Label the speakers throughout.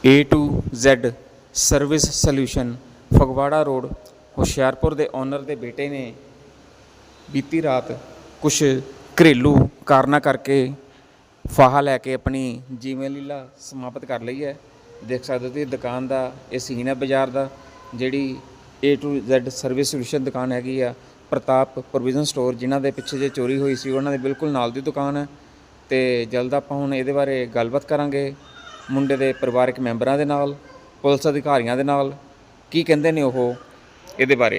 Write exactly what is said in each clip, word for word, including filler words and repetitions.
Speaker 1: A to Z service solution Phagwara road Hoshiarpur ਦੇ owner ਦੇ ਬੇਟੇ ਨੇ ਬੀਤੀ ਰਾਤ ਕੁਛ ਘਰੇਲੂ ਕਾਰਨਾਂ ਕਰਕੇ ਫਾਹਾ ਲੈ ਕੇ ਆਪਣੀ ਜੀਵਨ ਲੀਲਾ ਸਮਾਪਤ ਕਰ ਲਈ ਹੈ। ਦੇਖ ਸਕਦੇ ਹੋ ਤੁਸੀਂ ਦੁਕਾਨ ਦਾ ਇਹ ਸੀਨ ਹੈ ਬਾਜ਼ਾਰ ਦਾ, ਜਿਹੜੀ A to Z service solution ਦੁਕਾਨ ਹੈਗੀ ਆ ਪ੍ਰਤਾਪ ਪ੍ਰੋਵੀਜ਼ਨ ਸਟੋਰ, ਜਿਨ੍ਹਾਂ ਦੇ ਪਿੱਛੇ ਜੇ ਚੋਰੀ ਹੋਈ ਸੀ ਉਹਨਾਂ ਦੇ ਬਿਲਕੁਲ ਨਾਲ ਦੀ ਦੁਕਾਨ ਹੈ। ਤੇ ਜਲਦ ਆਪਾਂ ਹੁਣ ਇਹਦੇ ਬਾਰੇ ਗੱਲਬਾਤ ਕਰਾਂਗੇ ਮੁੰਡੇ ਦੇ ਪਰਿਵਾਰਕ ਮੈਂਬਰਾਂ ਦੇ ਨਾਲ, ਪੁਲਿਸ ਅਧਿਕਾਰੀਆਂ ਦੇ ਨਾਲ, ਕੀ ਕਹਿੰਦੇ ਨੇ ਉਹ ਇਹਦੇ ਬਾਰੇ।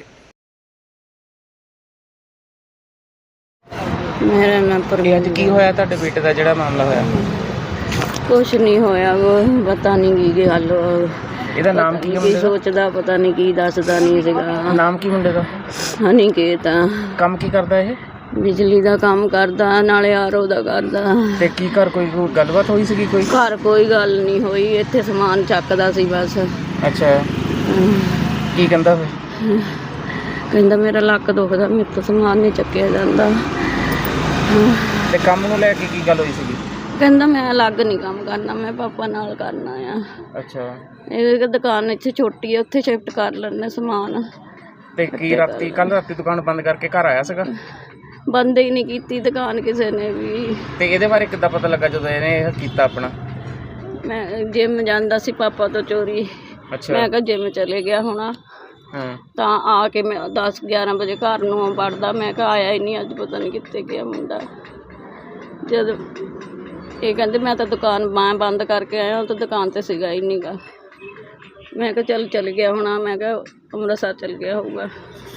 Speaker 2: मेरा नाम
Speaker 1: ਇਹ ਅੱਜ ਕੀ ਹੋਇਆ ਤੁਹਾਡੇ ਬੇਟੇ ਦਾ ਜਿਹੜਾ ਮਾਮਲਾ ਹੋਇਆ?
Speaker 2: कुछ नहीं होया, वो पता नहीं की गल,
Speaker 1: ਇਹਦਾ ਨਾਮ ਕੀ ਹੈ
Speaker 2: की
Speaker 1: ਮੁੰਡੇ ਦਾ?
Speaker 2: सोचदा पता नहीं की दसदा नहीं सीगा।
Speaker 1: ਨਾਮ ਕੀ ਮੁੰਡੇ ਦਾ?
Speaker 2: हनी कहता
Speaker 1: ਕੰਮ ਕੀ ਕਰਦਾ ਇਹ?
Speaker 2: बिजली का काम करदा, नाले आरो दा करदा।
Speaker 1: ਤੇ ਕੀ ਘਰ ਕੋਈ ਕੋਈ ਗੱਲਬਾਤ ਹੋਈ ਸੀਗੀ ਕੋਈ?
Speaker 2: घर कोई गल नहीं होई, इत्थे समान चकदा सी बस।
Speaker 1: ਅੱਛਾ, ਕੀ ਕਹਿੰਦਾ ਫਿਰ?
Speaker 2: कहंदा मेरा लक दुखदा, मेरे तो समान नहीं चक्या जांदा।
Speaker 1: ਤੇ ਕੰਮ ਨੂੰ ਲੈ ਕੇ ਕੀ ਗੱਲ ਹੋਈ ਸੀਗੀ?
Speaker 2: कहंदा मैं अलग नहीं काम करना, मैं पापा नाल करना आ।
Speaker 1: ਅੱਛਾ,
Speaker 2: ਇਹ ਦੁਕਾਨ ਇੱਥੇ ਛੋਟੀ ਹੈ, ਉੱਥੇ ਸ਼ਿਫਟ ਕਰ ਲੈਣੇ ਸਮਾਨ।
Speaker 1: ਤੇ ਕੀ ਰਾਤੀ ਕੱਲ ਰਾਤੀ ਦੁਕਾਨ ਬੰਦ ਕਰਕੇ ਘਰ ਆਇਆ ਸੀਗਾ?
Speaker 2: ਬੰਦ ਹੀ ਨਹੀਂ ਕੀਤੀ ਦੁਕਾਨ ਕਿਸੇ ਨੇ ਵੀ।
Speaker 1: ਤੇ ਇਹਦੇ ਬਾਰੇ ਕਿੱਦਾਂ ਪਤਾ ਲੱਗਾ ਜਦੋਂ ਇਹਨੇ ਇਹ ਕੀਤਾ ਆਪਣਾ?
Speaker 2: ਮੈਂ ਜਿਮ ਜਾਂਦਾ ਸੀ ਪਾਪਾ ਤੋਂ ਚੋਰੀ,
Speaker 1: ਅੱਛਾ,
Speaker 2: ਮੈਂ ਕਿਹਾ ਜਿਮ ਚਲੇ ਗਿਆ ਹੋਣਾ,
Speaker 1: ਹਾਂ,
Speaker 2: ਤਾਂ ਆ ਕੇ ਮੈਂ ਦਸ ਗਿਆਰਾਂ ਵਜੇ ਘਰ ਨੂੰ ਵੜਦਾ, ਮੈਂ ਕਿਹਾ ਆਇਆ ਹੀ ਨਹੀਂ ਅੱਜ, ਪਤਾ ਨਹੀਂ ਕਿੱਥੇ ਗਿਆ ਮੁੰਡਾ। ਜਦ ਇਹ ਕਹਿੰਦੇ ਮੈਂ ਤਾਂ ਦੁਕਾਨ ਮੈਂ ਬੰਦ ਕਰਕੇ ਆਇਆ, ਉਹ ਤਾਂ ਦੁਕਾਨ ਤੇ ਸੀਗਾ ਹੀ ਨਹੀਂਗਾ। ਮੈਂ ਕਿਹਾ ਚੱਲ ਚੱਲ ਗਿਆ ਹੋਣਾ, ਮੈਂ ਕਿਹਾ ਅੰਮ੍ਰਿਤਸਰ ਚੱਲ ਗਿਆ ਹੋਊਗਾ।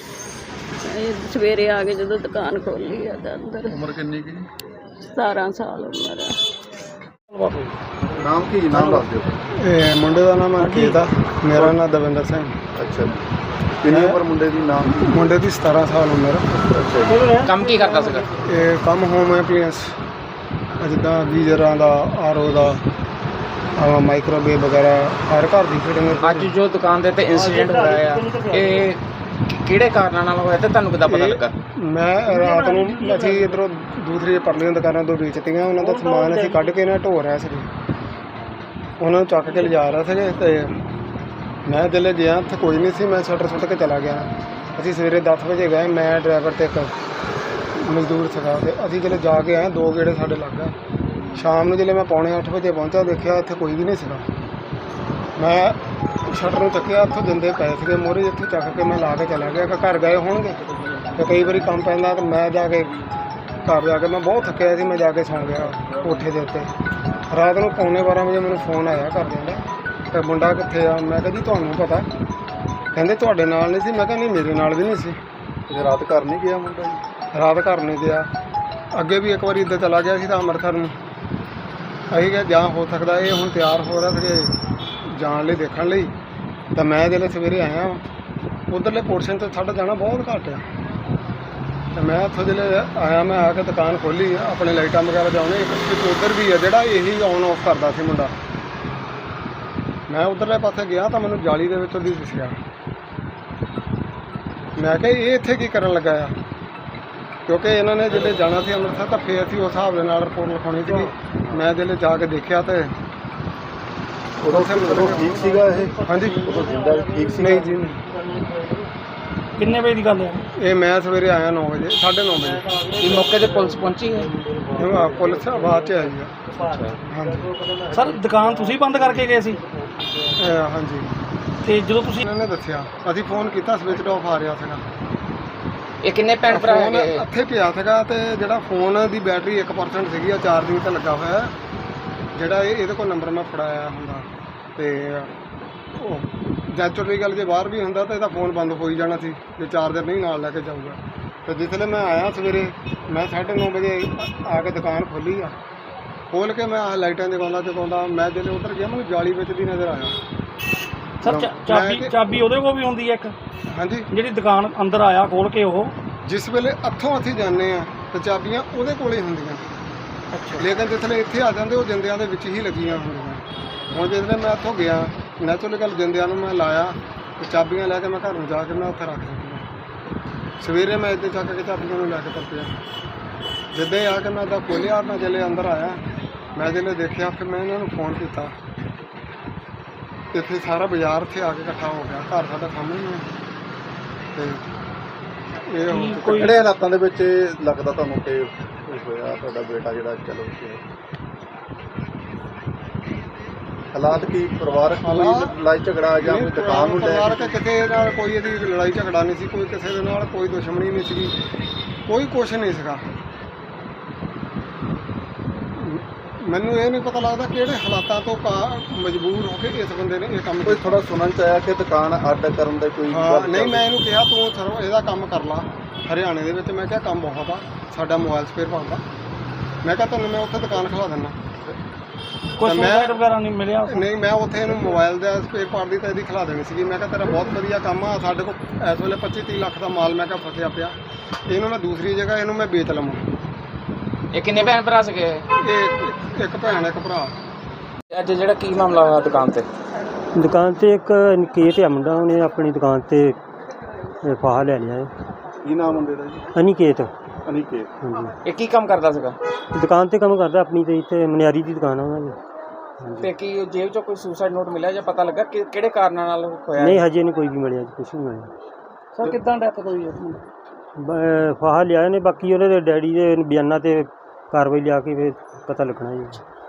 Speaker 2: ਇਹ ਸਵੇਰੇ ਆ ਕੇ ਜਦੋਂ ਦੁਕਾਨ ਖੋਲੀ ਆ ਤਾਂ ਅੰਦਰ।
Speaker 3: ਉਮਰ ਕਿੰਨੀ ਕੀ?
Speaker 2: ਸਤਾਰਾਂ ਸਾਲ ਉਮਰ ਆ।
Speaker 3: ਨਾਮ ਕੀ? ਨਾਮ ਦੱਸ ਦਿਓ।
Speaker 4: ਇਹ ਮੁੰਡੇ ਦਾ ਨਾਮ ਅੰਕਿਤ ਆ, ਮੇਰਾ ਨਾਮ ਦਵਿੰਦਰ ਸਿੰਘ।
Speaker 3: ਅੱਛਾ ਜੀ, ਕਿੰਨੀ ਉਮਰ ਮੁੰਡੇ ਦੀ? ਨਾਮ ਕੀ?
Speaker 4: ਮੁੰਡੇ ਦੀ ਸਤਾਰਾਂ ਸਾਲ ਉਮਰ।
Speaker 3: ਅੱਛਾ ਜੀ,
Speaker 1: ਕੰਮ ਕੀ ਕਰਦਾ ਸੀਗਾ?
Speaker 4: ਇਹ ਕੰਮ ਹੋਮ ਐਪਲੀਐਂਸ, ਜਿੱਦਾਂ ਗੀਜ਼ਰਾਂ ਦਾ, ਆਰਓ ਦਾ, ਮਾਈਕ੍ਰੋਵੇਵ ਵਗੈਰਾ, ਹਰ ਘਰ ਦੀ ਫਿਟਿੰਗ।
Speaker 1: ਅੱਜ ਜੋ ਦੁਕਾਨ ਦੇ ਤੇ ਇਨਸੀਡੈਂਟ ਹੋਇਆ ਆ, ਇਹ ਕਿਹੜੇ ਕਾਰਨਾਂ ਨਾਲ ਹੋਇਆ ਤੇ ਤੁਹਾਨੂੰ ਕਿੱਦਾਂ ਪਤਾ ਲੱਗਾ?
Speaker 4: ਮੈਂ ਰਾਤ ਨੂੰ ਅਸੀਂ ਇੱਧਰੋਂ ਦੂਸਰੀ ਪਰਲੀਆਂ ਦੁਕਾਨਾਂ ਤੋਂ ਵੇਚਤੀਆਂ, ਉਹਨਾਂ ਦਾ ਸਮਾਨ ਅਸੀਂ ਕੱਢ ਕੇ ਨਾ ਢੋ ਰਿਹਾ ਸੀ, ਉਹਨਾਂ ਨੂੰ ਚੱਕ ਕੇ ਲਿਜਾ ਰਿਹਾ ਸੀਗੇ। ਅਤੇ ਮੈਂ ਦਿਲੇ ਗਿਆ, ਉੱਥੇ ਕੋਈ ਨਹੀਂ ਸੀ, ਮੈਂ ਸ਼ਟਰ ਸੁੱਟ ਕੇ ਚਲਾ ਗਿਆ। ਅਸੀਂ ਸਵੇਰੇ ਦਸ ਵਜੇ ਗਏ, ਮੈਂ ਡਰਾਈਵਰ ਅਤੇ ਇੱਕ ਮਜ਼ਦੂਰ ਸੀਗਾ, ਅਤੇ ਅਸੀਂ ਜਦੋਂ ਜਾ ਕੇ ਆਏ ਦੋ ਗੇੜੇ ਸਾਡੇ ਲੱਗ ਗਏ। ਸ਼ਾਮ ਨੂੰ ਜਦੋਂ ਮੈਂ ਪੌਣੇ ਅੱਠ ਵਜੇ ਪਹੁੰਚਾ, ਦੇਖਿਆ ਇੱਥੇ ਕੋਈ ਵੀ ਨਹੀਂ ਸੀਗਾ। ਮੈਂ ਸ਼ਟਰ ਨੂੰ ਚੱਕਿਆ, ਉੱਥੋਂ ਦਿੰਦੇ ਪਏ ਸੀਗੇ ਮੋਹਰੇ, ਇੱਥੇ ਚੱਕ ਕੇ ਮੈਂ ਲਾ ਕੇ ਚਲਾ ਗਿਆ ਕਿ ਘਰ ਗਏ ਹੋਣਗੇ। ਅਤੇ ਕਈ ਵਾਰੀ ਕੰਮ ਪੈਂਦਾ ਤਾਂ ਮੈਂ ਜਾ ਕੇ ਘਰ ਜਾ ਕੇ, ਮੈਂ ਬਹੁਤ ਥੱਕਿਆ ਸੀ, ਮੈਂ ਜਾ ਕੇ ਸੌਂ ਗਿਆ ਕੋਠੇ ਦੇ ਉੱਤੇ। ਰਾਤ ਨੂੰ ਪੌਣੇ ਬਾਰਾਂ ਵਜੇ ਮੈਨੂੰ ਫੋਨ ਆਇਆ ਘਰਦਿਆਂ ਦਾ, ਅਤੇ ਮੁੰਡਾ ਕਿੱਥੇ ਆ? ਮੈਂ ਕਿਹਾ ਜੀ ਤੁਹਾਨੂੰ ਪਤਾ? ਕਹਿੰਦੇ ਤੁਹਾਡੇ ਨਾਲ ਨਹੀਂ ਸੀ। ਮੈਂ ਕਿਹਾ ਨਹੀਂ, ਮੇਰੇ ਨਾਲ ਵੀ ਨਹੀਂ ਸੀ।
Speaker 3: ਤੇ ਰਾਤ ਘਰ ਨਹੀਂ ਗਿਆ ਮੁੰਡਾ ਜੀ?
Speaker 4: ਰਾਤ ਘਰ ਨਹੀਂ ਗਿਆ। ਅੱਗੇ ਵੀ ਇੱਕ ਵਾਰੀ ਇੱਦਾਂ ਚਲਾ ਗਿਆ ਸੀ ਤਾਂ ਅੰਮ੍ਰਿਤਸਰ ਨੂੰ। ਅਸੀਂ ਕਿਹਾ ਜਾਂ ਹੋ ਸਕਦਾ ਇਹ ਹੁਣ ਤਿਆਰ ਹੋ ਰਿਹਾ ਸੀ ਜਾਣ ਲਈ, ਦੇਖਣ ਲਈ। ਤਾਂ ਮੈਂ ਜਦੋਂ ਸਵੇਰੇ ਆਇਆ, ਉੱਧਰਲੇ ਪੋਰਸ਼ਨ 'ਤੇ ਸਾਡਾ ਜਾਣਾ ਬਹੁਤ ਘੱਟ ਆ। ਅਤੇ ਮੈਂ ਉੱਥੋਂ ਜਦੋਂ ਆਇਆ, ਮੈਂ ਆ ਕੇ ਦੁਕਾਨ ਖੋਲ੍ਹੀ, ਆਪਣੇ ਲਾਈਟਾਂ ਵਗੈਰਾ ਜਾਉਣੇ, ਇੱਕ ਉੱਧਰ ਵੀ ਆ ਜਿਹੜਾ ਇਹੀ ਔਨ ਆਫ ਕਰਦਾ ਸੀ ਮੁੰਡਾ। ਮੈਂ ਉੱਧਰਲੇ ਪਾਸੇ ਗਿਆ ਤਾਂ ਮੈਨੂੰ ਜਾਲੀ ਦੇ ਵਿੱਚ ਉਹਦੀ ਦਿਸਿਆ। ਮੈਂ ਕਿਹਾ ਇਹ ਇੱਥੇ ਕੀ ਕਰਨ ਲੱਗਾ ਆ, ਕਿਉਂਕਿ ਇਹਨਾਂ ਨੇ ਜਦੋਂ ਜਾਣਾ ਸੀ ਅੰਮ੍ਰਿਤਸਰ ਤਾਂ ਫਿਰ ਅਸੀਂ ਉਸ ਹਿਸਾਬ ਦੇ ਨਾਲ ਰਿਪੋਰਟ ਲਿਖਾਉਣੀ ਸੀਗੀ। ਮੈਂ ਜਦੋਂ ਜਾ ਕੇ ਦੇਖਿਆ ਤਾਂ
Speaker 3: ਉਦੋਂ ਉਦੋਂ ਠੀਕ ਸੀਗਾ ਇਹ?
Speaker 4: ਹਾਂਜੀ,
Speaker 3: ਉਦੋਂ ਜਿੰਦਾ ਠੀਕ ਸੀ?
Speaker 4: ਨਹੀਂ ਜੀ, ਨਹੀਂ।
Speaker 5: ਕਿੰਨੇ ਵਜੇ ਦੀ ਗੱਲ ਹੈ?
Speaker 4: ਇਹ ਮੈਂ ਸਵੇਰੇ ਆਇਆ ਨੌ ਵਜੇ, ਸਾਢੇ ਨੌ ਵਜੇ।
Speaker 1: ਇਹ ਮੌਕੇ ਤੇ ਪੁਲਿਸ ਪਹੁੰਚੀ ਹੈ?
Speaker 4: ਇਹ ਪੁਲਿਸ ਆਵਾਜ਼ 'ਚ ਆਈ ਆ। ਹਾਂਜੀ
Speaker 5: ਸਰ ਦੁਕਾਨ ਤੁਸੀਂ ਬੰਦ ਕਰਕੇ ਗਏ ਸੀ?
Speaker 4: ਇਹ ਹਾਂਜੀ,
Speaker 5: ਤੇ ਜਦੋਂ ਤੁਸੀਂ
Speaker 4: ਇਹਨਾਂ ਨੇ ਦੱਸਿਆ, ਅਸੀਂ ਫੋਨ ਕੀਤਾ, ਸਵਿਚ ਆਫ ਆ ਰਿਹਾ ਸੀਗਾ।
Speaker 1: ਇਹ ਕਿੰਨੇ ਭੈਣ ਭਰਾ
Speaker 4: ਫੋਨ
Speaker 1: ਹੈਗੇ?
Speaker 4: ਇੱਥੇ ਪਿਆ ਸੀਗਾ, ਅਤੇ ਜਿਹੜਾ ਫੋਨ ਦੀ ਬੈਟਰੀ ਇੱਕ ਪਰਸੈਂਟ ਸੀਗੀ, ਉਹ ਚਾਰਜਿੰਗ 'ਤੇ ਲੱਗਾ ਹੋਇਆ। ਜਿਹੜਾ ਇਹ ਇਹਦੇ ਕੋਲ ਨੰਬਰ ਮੈਂ ਫੜਾਇਆ ਹੁੰਦਾ, ਅਤੇ ਉਹ ਨੈਚੁਰਲੀ ਗੱਲ ਜੇ ਬਾਹਰ ਵੀ ਹੁੰਦਾ ਤਾਂ ਇਹਦਾ ਫੋਨ ਬੰਦ ਹੋ ਹੀ ਜਾਣਾ ਸੀ ਜੇ ਚਾਰਜਰ ਨਹੀਂ ਨਾਲ ਲੈ ਕੇ ਜਾਊਗਾ। ਅਤੇ ਜਿਸਲੇ ਮੈਂ ਆਇਆ ਸਵੇਰੇ, ਮੈਂ ਸਾਢੇ ਨੌ ਵਜੇ ਆ ਕੇ ਦੁਕਾਨ ਖੋਲ੍ਹੀ ਆ। ਖੋਲ੍ਹ ਕੇ ਮੈਂ ਆਹ ਲਾਈਟਾਂ ਜਗਾਉਂਦਾ ਜਗਾਉਂਦਾ ਮੈਂ ਜਦੋਂ ਉੱਧਰ ਗਿਆ, ਮੈਨੂੰ ਜਾਲੀ ਵਿੱਚ ਦੀ ਨਜ਼ਰ ਆਇਆ।
Speaker 5: ਸਰ ਚਾ- ਚਾਬੀ ਚਾਬੀ ਉਹਦੇ ਕੋਲ ਵੀ ਹੁੰਦੀ ਹੈ ਇੱਕ,
Speaker 4: ਹਾਂਜੀ,
Speaker 5: ਜਿਹੜੀ ਦੁਕਾਨ ਅੰਦਰ ਆਇਆ ਖੋਲ ਕੇ ਉਹ?
Speaker 4: ਜਿਸ ਵੇਲੇ ਇੱਥੋਂ ਅਸੀਂ ਜਾਂਦੇ ਹਾਂ ਤਾਂ ਚਾਬੀਆਂ ਉਹਦੇ ਕੋਲ ਹੀ ਹੁੰਦੀਆਂ, ਲੇਕਿਨ ਜਿਸਲੇ ਇੱਥੇ ਆ ਜਾਂਦੇ ਉਹ ਜਿੰਦਿਆਂ ਦੇ ਵਿੱਚ ਹੀ ਲੱਗੀਆਂ ਹੁੰਦੀਆਂ। ਹੁਣ ਜਿਸਲੇ ਮੈਂ ਇੱਥੋਂ ਗਿਆ, ਨੈਚੁਰਲੀ ਗੱਲ ਜਿੰਦਿਆਂ ਨੂੰ ਮੈਂ ਲਾਇਆ ਅਤੇ ਚਾਬੀਆਂ ਲੈ ਕੇ ਮੈਂ ਘਰ ਨੂੰ ਜਾ ਕੇ ਮੈਂ ਉੱਥੇ ਰੱਖ ਦਿੱਤੀਆਂ। ਸਵੇਰੇ ਮੈਂ ਇੱਦਾਂ ਚੱਕ ਕੇ ਚਾਬੀਆਂ ਨੂੰ ਲੈ ਕੇ ਤੁਰ ਪਿਆ। ਜਿੱਦਾਂ ਹੀ ਆ ਕੇ ਮੈਂ ਇੱਦਾਂ ਖੋਲ੍ਹਿਆ, ਮੈਂ ਜਦੋਂ ਅੰਦਰ ਆਇਆ, ਮੈਂ ਜਦੋਂ ਦੇਖਿਆ ਫਿਰ ਮੈਂ ਇਹਨਾਂ ਨੂੰ ਫੋਨ ਕੀਤਾ। ਇੱਥੇ ਸਾਰਾ ਬਾਜ਼ਾਰ ਇੱਥੇ ਆ ਕੇ ਇਕੱਠਾ ਹੋ ਗਿਆ। ਘਰ ਸਾਡਾ ਸਾਹਮਣੇ ਹੀ ਹੈ ਤੇ ਇਹ ਹੁਣ
Speaker 5: ਕੋਈ
Speaker 3: ਕਿਹੜੇ ਹਾਲਾਤਾਂ ਦੇ ਵਿੱਚ ਇਹ ਲੱਗਦਾ ਤੁਹਾਨੂੰ ਕਿ ਹੋਇਆ ਤੁਹਾਡਾ ਬੇਟਾ ਜਿਹੜਾ ਚਲੋ ਗਿਆ? ਹਾਲਾਤ ਕੀ ਪਰਿਵਾਰਕ ਕੋਈ
Speaker 4: ਹਾਲਾਤ-
Speaker 3: ਲੜਾਈ ਝਗੜਾ ਜਾਂ ਕੋਈ ਦੁਕਾਨ ਨੂੰ ਲੈ
Speaker 4: ਪਰਿਵਾਰ
Speaker 3: ਕੇ
Speaker 4: ਕੇ ਕਿਸੇ ਨਾਲ ਕੋਈ ਇਹਦੀ ਲੜਾਈ ਝਗੜਾ ਨਹੀਂ ਸੀ, ਕੋਈ ਕਿਸੇ ਦੇ ਨਾਲ ਕੋਈ ਦੁਸ਼ਮਣੀ ਨਹੀਂ ਸੀਗੀ, ਕੋਈ ਕੁਛ ਨਹੀਂ ਸੀਗਾ। ਮੈਨੂੰ ਇਹ ਨਹੀਂ ਪਤਾ ਲੱਗਦਾ ਕਿਹੜੇ ਹਾਲਾਤਾਂ ਤੋਂ ਕਾ- ਮਜਬੂਰ ਹੋ ਕੇ ਇਸ ਬੰਦੇ ਨੇ ਇਹ ਕੰਮ
Speaker 3: ਕੋਈ
Speaker 4: ਕੀਤਾ।
Speaker 3: ਥੋੜਾ ਸੁਣਨ ਚ ਆਇਆ ਕਿ ਦੁਕਾਨ ਅੱਡ ਕਰਨ ਦੇ ਕੋਈ
Speaker 4: ਹਾਂ
Speaker 3: ਗੱਲ
Speaker 4: ਨਹੀਂ,
Speaker 3: ਚੱਲ
Speaker 4: ਮੈਂ ਇਹਨੂੰ ਕਿਹਾ ਤੂੰ ਸਰਵ ਇਹਦਾ ਕੰਮ ਕਰ ਲਾ ਹਰਿਆਣੇ ਦੇ ਵਿੱਚ। ਮੈਂ ਕਿਹਾ ਕੰਮ ਬਹੁਤ ਆ ਸਾਡਾ ਮੋਬਾਈਲ ਸਪੇਅਰ ਪਾਉਣ ਦਾ। ਮੈਂ ਕਿਹਾ ਤੁਹਾਨੂੰ ਮੈਂ ਉੱਥੇ ਦੁਕਾਨ ਖਿਲਾ ਦਿੰਦਾ।
Speaker 5: ਕੋਈ
Speaker 4: ਤਾਂ ਮੈਂ-
Speaker 5: ਸੁਸਾਈਡ ਵਗੈਰਾ ਨਹੀਂ ਮਿਲਿਆ?
Speaker 4: ਨਹੀਂ, ਮੈਂ ਉੱਥੇ ਇਹਨੂੰ ਮੋਬਾਈਲ ਦਾ ਸਪੇਅਰ ਪਾਰਟ ਦੀ ਤਾਂ ਇਹਦੀ ਖਿਲਾ ਦੇਣੀ ਸੀਗੀ। ਮੈਂ ਕਿਹਾ ਤੇਰਾ ਬਹੁਤ ਵਧੀਆ ਕੰਮ ਆ, ਸਾਡੇ ਕੋਲ ਇਸ ਵੇਲੇ ਪੱਚੀ ਤੀਹ ਲੱਖ ਦਾ ਮਾਲ ਮੈਂ ਕਿਹਾ ਫਸਿਆ ਪਿਆ, ਇਹਨੂੰ ਮੈਂ ਦੂਸਰੀ ਜਗ੍ਹਾ ਇਹਨੂੰ ਮੈਂ ਵੇਚ ਲਵਾਂ।
Speaker 1: ਇਹ ਕਿੰਨੇ ਭੈਣ ਭਰਾ ਸੀਗੇ?
Speaker 4: ਇਹ ਇੱਕ ਭੈਣ ਇੱਕ ਭਰਾ।
Speaker 1: ਅੱਜ ਜਿਹੜਾ ਕੀ ਮਾਮਲਾ ਹੋਇਆ ਦੁਕਾਨ ਤੇ?
Speaker 6: ਦੁਕਾਨ ਤੇ ਇੱਕ ਨਿਕੇਤ ਆ ਮੁੰਡਾ, ਉਹਨੇ ਆਪਣੀ ਦੁਕਾਨ ਤੇ ਇਹ ਫਾਹਾ ਲੈ ਲਿਆ ਹੈ।
Speaker 3: ਕੀ ਨਾਮ ਹੁੰਦੇ ਦਾ ਜੀ?
Speaker 6: ਅਨਿਕੇਤ।
Speaker 3: ਅਨਿਕੇਤ।
Speaker 6: ਹਾਂਜੀ,
Speaker 1: ਇਹ ਕੀ ਕੰਮ ਕਰਦਾ ਸੀਗਾ
Speaker 6: ਦੁਕਾਨ ਤੇ ਕੰਮ ਕਰਦਾ ਆਪਣੀ ਤੇ ਇੱਥੇ ਮਨਿਆਰੀ ਦੀ ਦੁਕਾਨ ਆ ਉਹਨਾਂ ਦੀ।
Speaker 1: ਤੇ ਕੀ ਜੇਬ ਚੋਂ ਕੋਈ ਸੁਸਾਈਡ ਨੋਟ ਮਿਲਿਆ ਜਾਂ ਪਤਾ ਲੱਗਾ ਕਿ ਕਿਹੜੇ ਕਾਰਨਾਂ ਨਾਲ ਹੋਇਆ?
Speaker 6: ਨਹੀਂ, ਹਜੇ ਨਹੀਂ ਕੋਈ ਵੀ ਮਿਲਿਆ ਜੀ, ਕੁਛ ਨਹੀਂ ਮਿਲਿਆ।
Speaker 5: ਸਰ ਕਿੱਦਾਂ ਡੈਥ ਹੋਈ ਹੈ?
Speaker 6: ਬ- ਫਾਹਾ ਲਿਆ ਨੇ, ਬਾਕੀ ਉਹਦੇ ਡੈਡੀ ਦੇ ਬਿਆਨਾਂ ਤੇ ਕਾਰਵਾਈ ਲਿਆ ਕੇ ਫਿਰ ਪਤਾ ਲੱਗਣਾ ਜੀ।